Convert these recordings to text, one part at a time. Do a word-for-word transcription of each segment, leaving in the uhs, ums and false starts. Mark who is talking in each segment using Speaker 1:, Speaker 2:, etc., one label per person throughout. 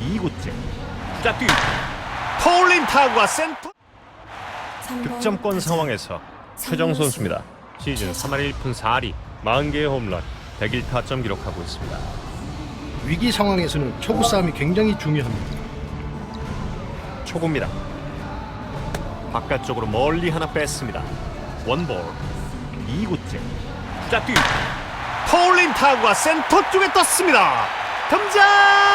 Speaker 1: 이 구째 자 뛰 터올린 타구가 센터 득점권 상황에서 최정 선수입니다. 시즌 삼 할 일 푼 사 리 사십 개의 홈런 백일 타점 기록하고 있습니다.
Speaker 2: 위기 상황에서는 초구 싸움이 굉장히 중요합니다.
Speaker 1: 초구입니다. 바깥쪽으로 멀리 하나 뺐습니다. 원볼 이 구째 자 뛰 터올린 타구가 센터 쪽에 떴습니다. 덤장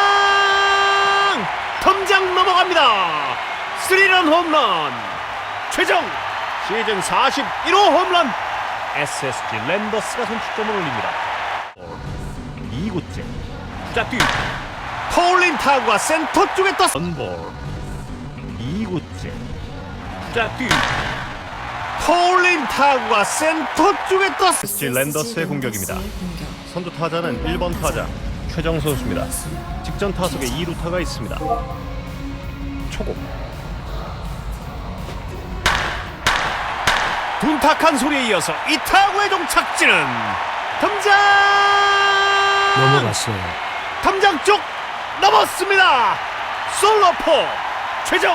Speaker 1: 덤장 넘어갑니다. 스리런 홈런 최정 시즌 사십일 호 홈런. 에스에스지 랜더스가 선취점을 올립니다. 이 구째 자 뛰 터올린 타구가 센터 쪽에 떴 원볼 이 구째 자 뛰 터올린 타구가 센터 쪽에 떴 에스에스지 랜더스의 공격입니다. 선두 타자는 일 번 타자 최정 선수입니다. 직전 타석에 이 루타가 있습니다. 초고 둔탁한 소리에 이어서 이 타구의 종착지는 덤장
Speaker 2: 넘어갔어요.
Speaker 1: 덤장 쪽 넘었습니다. 솔로포 최정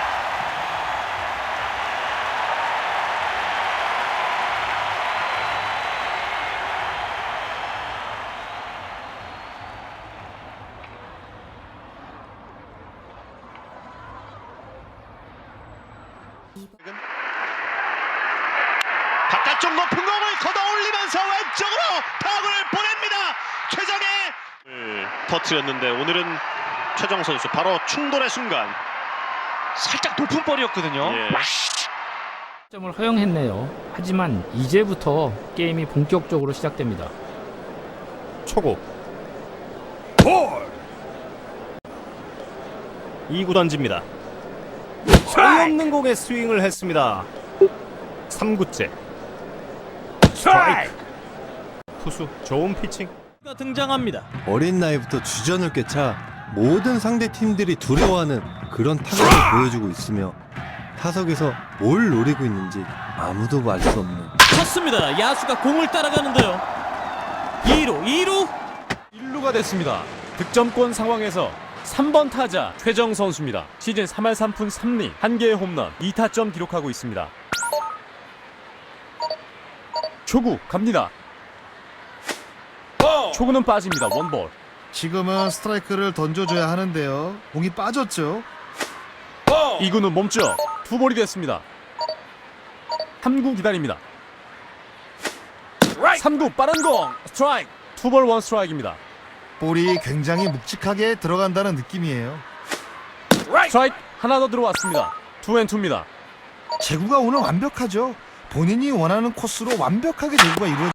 Speaker 1: 바깥쪽 높은 공을 걷어 올리면서 왼쪽으로 타구를 보냅니다. 최정의 터트렸는데 오늘은 최정 선수 바로 충돌의 순간
Speaker 3: 살짝 높은 볼이었거든요.
Speaker 1: 예.
Speaker 4: 점을 허용했네요. 하지만 이제부터 게임이 본격적으로 시작됩니다.
Speaker 1: 초고 볼 이 구 던집니다. 소용없는 공에 스윙을 했습니다. 삼 구째 스트라이크 투수 좋은 피칭
Speaker 3: 등장합니다.
Speaker 5: 어린 나이부터 주전을 꿰차 모든 상대 팀들이 두려워하는 그런 타격을 보여주고 있으며 타석에서 뭘 노리고 있는지 아무도 알 수 없는
Speaker 3: 쳤습니다. 야수가 공을 따라가는데요. 이 루 이 루
Speaker 6: 일 루가 됐습니다. 득점권 상황에서 삼 번 타자 최정 선수입니다. 시즌 삼 할 삼 푼 삼 리 한 개의 홈런 이 타점 기록하고 있습니다. 초구 갑니다. 초구는 빠집니다. 원볼.
Speaker 7: 지금은 스트라이크를 던져줘야 하는데요. 공이 빠졌죠.
Speaker 6: 이 구는 멈춰 투볼이 됐습니다. 삼 구 기다립니다. 삼 구 빠른 공 스트라이크 투볼 원 스트라이크입니다.
Speaker 7: 볼이 굉장히 묵직하게 들어간다는 느낌이에요.
Speaker 6: 스트라이크 하나 더 들어왔습니다. 투앤투입니다.
Speaker 7: 제구가 오늘 완벽하죠. 본인이 원하는 코스로 완벽하게 제구가 이루어져